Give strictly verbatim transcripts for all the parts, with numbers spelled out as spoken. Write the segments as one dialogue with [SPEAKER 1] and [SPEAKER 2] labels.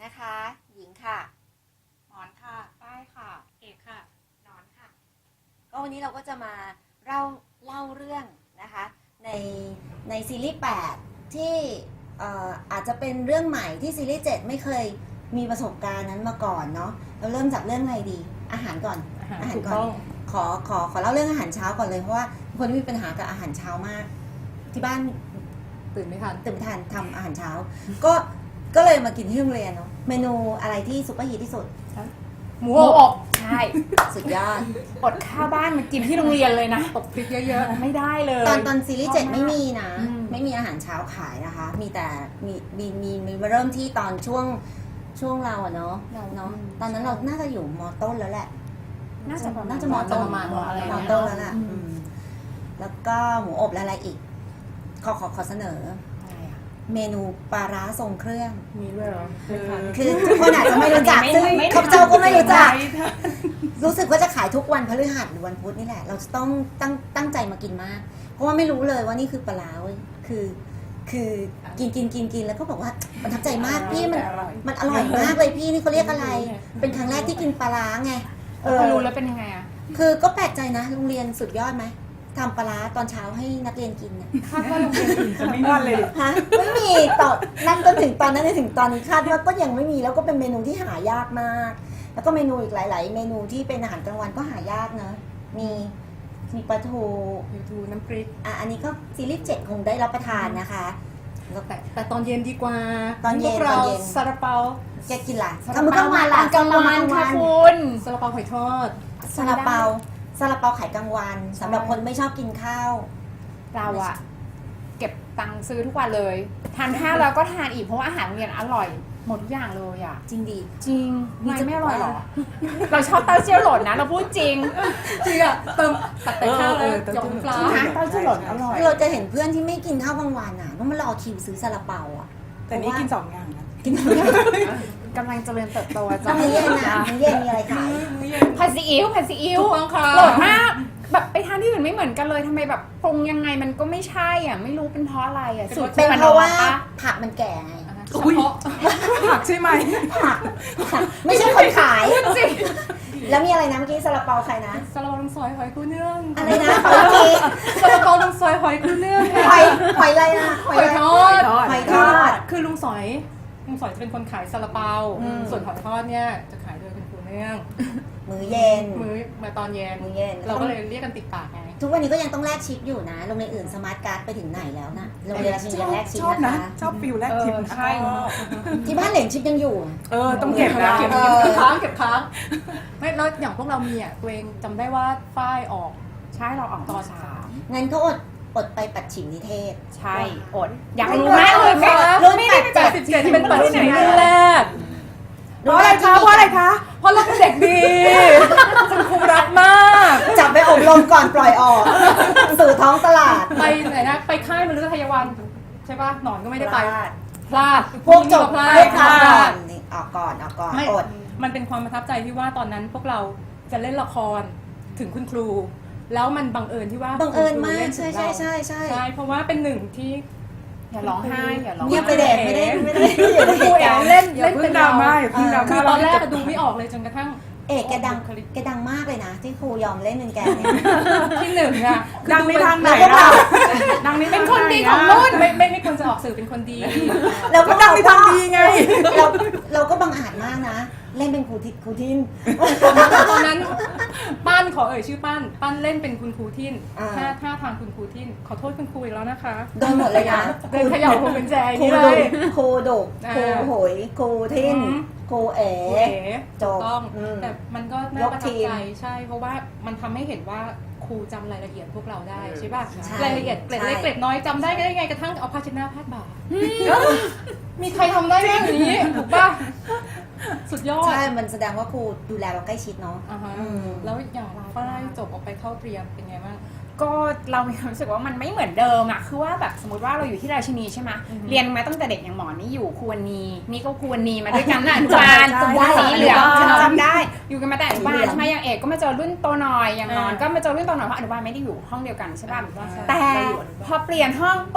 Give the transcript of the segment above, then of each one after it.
[SPEAKER 1] นะคะ หญิงค่ะ
[SPEAKER 2] หมอนค่ะป้ายค่ะเอกค่ะนอนค่ะ
[SPEAKER 1] ก็วันนี้เราก็จะมาเล่าเล่าเรื่องนะคะในในซีรีส์แปดที่เอ่ออาจจะเป็นเรื่องใหม่ที่ซีรีส์เจ็ดไม่เคยมีประสบการณ์นั้นมาก่อนเนาะเราเริ่มจากเรื่องอะไรดีอาหารก่อนอาหารก่อนขอขอขอเล่าเรื่องอาหารเช้าก่อนเลยเพราะว่าคนที่มีปัญหากับอาหารเช้ามากที่บ้าน
[SPEAKER 2] ตื่นไม่ทัน
[SPEAKER 1] ตื่นไม่ทันทำอาหารเช้าก็ก็เลยมากินที่โรงเรียนเนาะเมนูอะไรที่ซุปเปอร์ฮิตที่สุด
[SPEAKER 2] หมูอบ
[SPEAKER 3] ใช่
[SPEAKER 1] สุดยอด
[SPEAKER 3] อดข้าวบ้านมากินที่โรงเรียนเลยนะ
[SPEAKER 2] ตกพริกเยอะ
[SPEAKER 3] ๆไม่ได้เลย
[SPEAKER 1] ตอนตอนซีรีส์เจ็ดไม่มีนะไม่มีอาหารเช้าขายนะคะมีแต่มีมีมีมีมาเริ่มที่ตอนช่วงช่วงเราอะเนาะเนาะตอนนั้นเราน่าจะอยู่มอต้นแล้วแหละ
[SPEAKER 3] น่าจะ
[SPEAKER 1] น่าจะมอต้น
[SPEAKER 2] ประมาณอะไร
[SPEAKER 1] มอต้นแล้วล่ะแล้วก็หมูอบและอะไรอีกขอขอขอเสนอเมนูปลาร้าทรงเครื่อง
[SPEAKER 2] มีด้วยเหรอ
[SPEAKER 1] คือทุกคนอาจจะไม่รู้จักซึ่งข้าพเจ้าก็ไม่รู้จักรู้สึกว่าจะขายทุกวันพฤหัสหรือวันพุธนี่แหละเราจะต้องตั้งตั้งใจมากินมากเพราะว่าไม่รู้เลยว่านี่คือปลาร้าเว้ยคือคือกินกินกินกินแล้วก็บอกว่าประทับใจมากพี่มันมันอร่อยมากเลยพี่นี่เขาเรียกอะไรเป็นครั้งแรกที่กินปลาร้าไง
[SPEAKER 3] เออรู้แล้วเป็นยังไงอ่ะ
[SPEAKER 1] คือก็แปลกใจนะโรงเรียนสุดยอดไหมทำปลาร้าตอนเช้าให้นักเรียนกินเนี่ย
[SPEAKER 3] คาดว่าโรงเรียนอื่นจะไม่มีเลย
[SPEAKER 1] ฮะไม่มีต่อนั่นจนถึงตอนนั้นถึงตอนนี้คาดว่าก็ยังไม่มีแล้วก็เป็นเมนูที่หายากมากแล้วก็เมนูอีกหลายๆเมนูที่เป็นอาหารกลางวันก็หายากนะมีมีปลาทู
[SPEAKER 2] ปลาทูน้ำพริก
[SPEAKER 1] อ่ะอันนี้ก็ซีรีส์เจ็ดคงได้รับประทานนะคะ
[SPEAKER 2] แต่แต่ตอนเย็นดีกว่า
[SPEAKER 1] ตอนเย็น
[SPEAKER 2] ตอนเย็นซาลาเปา
[SPEAKER 1] แกกินอะไร
[SPEAKER 3] กำลังวันกำลังวันค่ะคุณ
[SPEAKER 2] ซาลาเปาหอยทอด
[SPEAKER 1] ซาลาเปาซาลาเปาขายกลางวันสำหรับคนไม่ชอบกินข้าว
[SPEAKER 3] เราอะเก็บตังค์ซื้อทุกวันเลยทานข้าวแล้วก็ทานอีกเพราะว่าอาหารโรงเรียนอร่อยหมดทุกอย่างเลยอะ
[SPEAKER 1] จริงดี
[SPEAKER 3] จริงไม่ไม่อร่อยหรอเราชอบเต้าเจี้ยวหล่นนะเราพูดจริง
[SPEAKER 2] จริงอะเติมตัดแต่ข้าวเลยหยองปลา
[SPEAKER 3] เต้าเจี้ยวหล่นอร่อย
[SPEAKER 1] เราจะเห็นเพื่อนที่ไม่กินข้าวกลางวันอะต้องมารอคิวซื้อซาลาเปาอะ
[SPEAKER 2] แต่นี่กินสองอย่างนะ
[SPEAKER 1] กินสองอย่าง
[SPEAKER 3] กำลังเจริญเติบโต
[SPEAKER 1] จ้ามื้อเย็นนะมื้อเย็นมีอะไรขาย
[SPEAKER 3] ผัดซีอิ๊วผัดซีอิ๊วโหดมากแบบไปทานที่อื่นไม่เหมือนกันเลยทำไมแบบปรุงยังไงมันก็ไม่ใช่อ่ะไม่รู้เป็นเพราะอะไรอ่ะ
[SPEAKER 1] สูตรเป็นเพราะว่าผักมันแก่ไง
[SPEAKER 2] ผักใช่ไหม
[SPEAKER 1] ผักไม่ใช่คนขายแล้วมีอะไรนะเมื่อกี้ซาลาเปาใครนะ
[SPEAKER 2] ซาลาเปาลุงซอยหอยกุ้งเนื่อง
[SPEAKER 1] อะไรนะหอยจี
[SPEAKER 2] ซาลาเปาลุงซอยหอยกุ้งเนื่อง
[SPEAKER 1] หอยหอยอะไรนะ
[SPEAKER 2] หอยทอด
[SPEAKER 1] หอยทอด
[SPEAKER 2] คือลุงซอยลุงซอยจะเป็นคนขายซาลาเปาส่วนหอยทอดเนี่ยจะขายโดยคุณครูเนื่อง
[SPEAKER 1] มื้อเย็น
[SPEAKER 2] มื้อมาตอนเย็น
[SPEAKER 1] มื้อเย็น
[SPEAKER 2] เราก็เลยเรียกกันติดปากไง
[SPEAKER 1] ทุกวันนี้ก็ยังต้องแลกชิปอยู่นะโรงเรียนอื่นสมาร์ทการ์ดไปถึงไหนแล้วนะโรงเรียนราชินียังแลกชิปนะคะ
[SPEAKER 2] ชอบฟิลแลกชิป
[SPEAKER 3] ใช่
[SPEAKER 1] ที่บ้านเหรียญชิปยังอยู่
[SPEAKER 2] เออต้องเก็บนะเก็บค้างเก็บค้างไม่แล้วอย่างพวกเรามีอ่ะตัวเองจำได้ว่าฝ้ายออก
[SPEAKER 3] ใช่เราออกตอนสาม
[SPEAKER 1] งั้นก็อดอดไปปัดฉิมนิเทศ
[SPEAKER 3] ใช่อดอยากรู้มากเลยค่ะ
[SPEAKER 1] รุ่นแปด
[SPEAKER 2] เจ็ดสิบเจ็ดเป็นปัดฉิมแรก
[SPEAKER 3] เพราะอะไรคะเพราะอะไรคะ
[SPEAKER 2] เพราะเราเป็นเด็กดีคุณครูรักมาก
[SPEAKER 1] จับไปอบรมก่อนปล่อยออกสู่ท้องตลาด
[SPEAKER 2] ไปไหนนะไปค่ายมฤคทายวันใช่ป่ะหนอนก็ไม่ได้ไปพลาด
[SPEAKER 1] พวกจบพลาดออกก่อนออกก่อนออกก่อนอด
[SPEAKER 2] มันเป็นความประทับใจที่ว่าตอนนั้นพวกเราจะเล่นละครถึงคุณครูแล้วมันบังเอิญที่ว่า
[SPEAKER 1] บังเอิญมากใช่ใช่ใช่ใช่
[SPEAKER 2] ใช่เพราะว่าเป็นหนึ่งที่
[SPEAKER 3] อย่าร้องไห้อย่าร้อง
[SPEAKER 1] เงียบไปเด็กไม่ได้ไม่ได้
[SPEAKER 2] ครูเอ๋เล่นเล่นเป็นดราม่าคือตอนแรกดูไม่ออกเลยจนกระทั่ง
[SPEAKER 1] เอกแกดังแกดังมากเลยนะที่ครูยอมเล่นเป็นแก
[SPEAKER 2] ที่หนึ่งอะ
[SPEAKER 3] ดังในทางไหนดังในเป็นคนดีของรุ่น
[SPEAKER 2] ไม่ไม่ไม่ควรจะออกสื่อเป็นคนดี
[SPEAKER 1] เราก็
[SPEAKER 2] ดังในทางดีไง
[SPEAKER 1] เราเราก็บังอาจมากนะเล่นเป็นครูทิครูทิน
[SPEAKER 2] ตอนนั้นป้านขอเอ่ยชื่อป้านป้านเล่นเป็นคุณครูทินถ้าถ้าทางคุณครูทินขอโทษคุณครูอีกแล้วนะคะ
[SPEAKER 1] โดนหมดเลยนะ
[SPEAKER 2] เดินเขย่าพวงกุญแจ
[SPEAKER 1] นี่เลยครูดุครูโหยครูทินครูเอ๋
[SPEAKER 2] จบต้องแต่มันก็น่าประทับใจใช่เพราะว่ามันทำให้เห็นว่าครูจำรายละเอียดพวกเราได้ใช่ป่ะรายละเอียดเกล็ดเล็กเกล็ดน้อยจำได้ก็ได้ไงกระทั่งเอาผ้าเช็ดหน้าพาดบ่ามีใครทำได้แบบนี้ถูกป่ะสุดยอด
[SPEAKER 1] ใช่มันแสดงว่าครูดูแลเราใกล้ชิดเนาะ
[SPEAKER 2] แล้วอย่างเราก็ได้จบออกไปเข้าเตรียมเป็นไงบ้าง
[SPEAKER 3] ก็เรามีความรู้สึกว่ามันไม่เหมือนเดิมอะคือว่าแบบสมมติว่าเราอยู่ที่ราชินีใช่ไหมเรียนมาตั้งแต่เด็กอย่างหมอนี่อยู่ควรนีนี่ก็ควรนีมาด้วยกันนะอนุบาลสีเหลืองจำได้อยู่กันมาแต่อนุบาลใช่ไหมอย่างเอกก็มาเจอรุ่นโตหน่อยอย่างนอนก็มาเจอรุ่นโตหน่อยเพราะอนุบาลไม่ได้อยู่ห้องเดียวกันใช่ป่ะแต่พอเปลี่ยนห้องปุ๊บ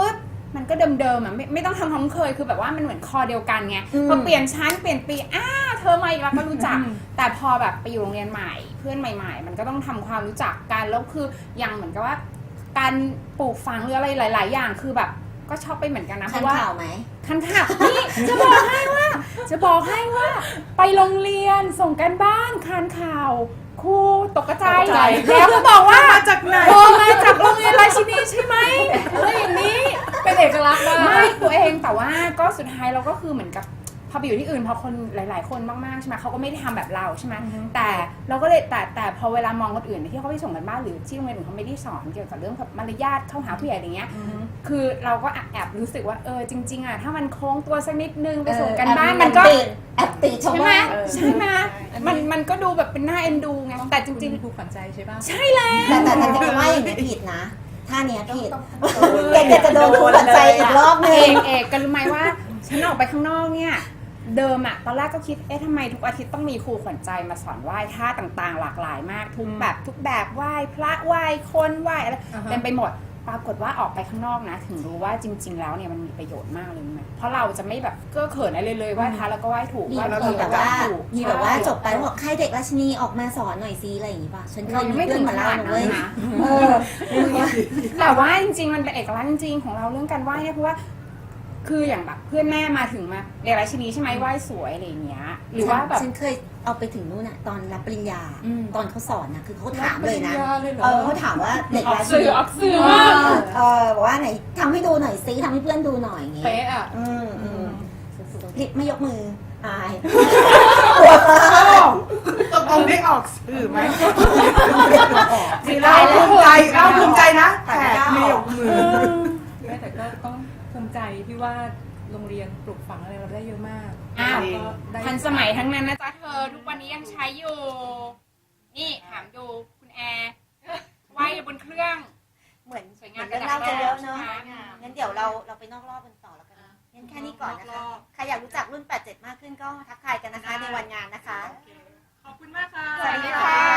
[SPEAKER 3] มันก็เดิมๆอ่ะไม่ไม่ต้องทำความเคยคือแบบว่ามันเหมือนคอเดียวกันไง
[SPEAKER 1] อืม
[SPEAKER 3] พอเปลี่ยนชั้นเปลี่ยนปีอ้าเธอมาอีกแล้วก็รู้จัก แต่พอแบบไปอยู่โรงเรียนใหม่เพื่อนใหม่ๆ มันก็ต้องทำความรู้จักกันแล้วคืออย่างเหมือนกับว่า การปลูกฝังหรืออะไรหลาย ๆ อย่างคือแบบก็ชอบไปเหมือนกันนะเพ
[SPEAKER 1] ทัน
[SPEAKER 3] ราะว่า
[SPEAKER 1] ข่าวไหม
[SPEAKER 3] คันข่าวนี่จะบอกให้ว่า จะบอกให้ว่า ไปโรงเรียนส่งกันบ้านคานข่าวครูตกใจ
[SPEAKER 2] ตกใจ
[SPEAKER 3] แล้วก็บอกว่า
[SPEAKER 4] มาจากไหน
[SPEAKER 3] โทรมาจากโรงเรียนราชินีใช่ไหมอะไรอย่างนี้
[SPEAKER 2] เป็นเอกลักษณ์มาก
[SPEAKER 3] ไม่ตัวเองแต่ว่าก็สุดท้ายเราก็คือเหมือนกับพอไปอยู่ที่อื่นพอคนหลาย ๆ คนมากๆใช่ไหมเขาก็ไม่ได้ทำแบบเราใช่ไหมแต่เราก็เลยแต่แต่พอเวลามองคนอื่นที่เขาไปส่งกันบ้านหรือที่โรงเรียนอื่นเขาไม่ได้สอนเกี่ยวกับเรื่องแบบมารยาทเข้าหาผู้ใหญ่อะไรเงี้ยคือเราก็แอบรู้สึกว่าเออจริง ๆอ่ะถ้ามันโค้งตัวสักนิดนึงไปส่งกันบ้านมันก็
[SPEAKER 1] แอบติชาว
[SPEAKER 3] ใช่ไหม
[SPEAKER 1] บ้าน
[SPEAKER 3] ใช่ไหมมันมันก็ดูแบบเป็นหน้าเอ็นดูไงแต่จริง
[SPEAKER 2] ๆถูกฝังใจใช่ป่ะ
[SPEAKER 3] ๆ ใช่แล้ว
[SPEAKER 1] แต่แต่แต่จะว่าอย่างนี้ผิดนะท่าเนี้ยผิดแกแกจะโดนทุบหัวใจอีกรอบนึ
[SPEAKER 3] เอง งเอกกันรู้ไหมว่าฉันออกไปข้างนอกเนี่ยเดิมอะตอนแรกก็คิดเอ๊ะทำไมทุกอาทิตย์ต้องมีครูขวัญใจมาสอนไหว้ท่าต่างๆ หลากหลายมากทุกแบบทุกแบบไหว้พระไหว้คนไหว้อะไร
[SPEAKER 2] อ่าฮะ
[SPEAKER 3] เต็มไปหมดปรากฏว่าออกไปข้างนอกนะ ถึงรู้ว่าจริง ๆ แล้วเนี่ยมันมีประโยชน์มากเลยนะเพราะเราจะไม่แบบเก้อเขินอะไรเลยไหว้พระแล้วก็ไหว้ถูก
[SPEAKER 1] มี
[SPEAKER 3] ไหว้
[SPEAKER 1] มีแบบว่า
[SPEAKER 3] ถูก
[SPEAKER 1] มีแบบว่าจบไปแล้วบอกใครเด็กราชินีออกมาสอนหน่อยซิอะไรอย่างงี้ป่ะฉันเค
[SPEAKER 3] เรา
[SPEAKER 1] ย
[SPEAKER 3] ยัง
[SPEAKER 1] มี
[SPEAKER 3] ไม่
[SPEAKER 1] เพื่
[SPEAKER 3] ถึ
[SPEAKER 1] อน
[SPEAKER 3] ง
[SPEAKER 1] มา
[SPEAKER 3] ข
[SPEAKER 1] เล่า
[SPEAKER 3] นาด
[SPEAKER 1] นะ
[SPEAKER 3] นั้
[SPEAKER 1] เว้ย
[SPEAKER 3] นนะ
[SPEAKER 1] เออ
[SPEAKER 3] แต่ว่าจริงๆมันเป็นเอกลักษณ์จริงๆของเราเรื่องการไหว้เนี่ยเพราะว่า คืออย่างแบบเพื่อนแม่มาถึงมาเรียนราชินีใช่ไหมไหว้สวยอะไรอย่างเงี้ยหรือว่าแบบ
[SPEAKER 1] ฉันเคยเอาไปถึงนู่นน่ะตอนรับปริญญา
[SPEAKER 3] อืม
[SPEAKER 1] ตอนเขาสอนนะคือเขาถามเลยนะ
[SPEAKER 2] ปริญญาเลยเหรอ
[SPEAKER 1] เออเขาถามว่าเด็ก
[SPEAKER 3] ออก
[SPEAKER 1] ราชิ
[SPEAKER 3] สื่
[SPEAKER 1] นี
[SPEAKER 3] อออกสื่อ
[SPEAKER 1] เอ
[SPEAKER 3] มาก
[SPEAKER 1] อเออบอกว่าไหนทำให้ดูหน่อยซิทำให้เพื่อนดูหน่อยอย่างงี้
[SPEAKER 2] เป๊ะอ่ะ
[SPEAKER 1] อืมอืมลิปไม่ยกมืออายปวดมาก
[SPEAKER 4] ตกลงได้ออกสื่อไหมเราภูมิใจเราภูมิใจนะแต่ไม่ยกมือ
[SPEAKER 2] ไม่แต่ก็ต้องภูมิใจที่ว่าโรงเรียนปลูกฝังอะไรเราได้เยอะมาก
[SPEAKER 3] อ้าว
[SPEAKER 2] แล้วก็ได้
[SPEAKER 3] ทันสมัยทั้งนั้นนะจ๊ะเธอทุกวันนี้ยังใช้อยู่ นี่ถามดูคุณแอร์ไหว้บนเครื่อง
[SPEAKER 1] เหมือน
[SPEAKER 3] สวยงาม
[SPEAKER 1] เรื่องเล่าจะเยอะเนาะ
[SPEAKER 3] สวยงาม
[SPEAKER 1] งั้นเดี๋ยวเราเราไปนอกรอบกันต่อแล้วกันนะงั้นแค่นี้ก่อนนะคะ ใครอยากรู้จักรุ่นแปดเจ็ดมากขึ้นก็ทักทายกันนะคะในวันงานนะคะ
[SPEAKER 2] ขอบคุณมากค่ะ
[SPEAKER 3] สวัสดีค่ะ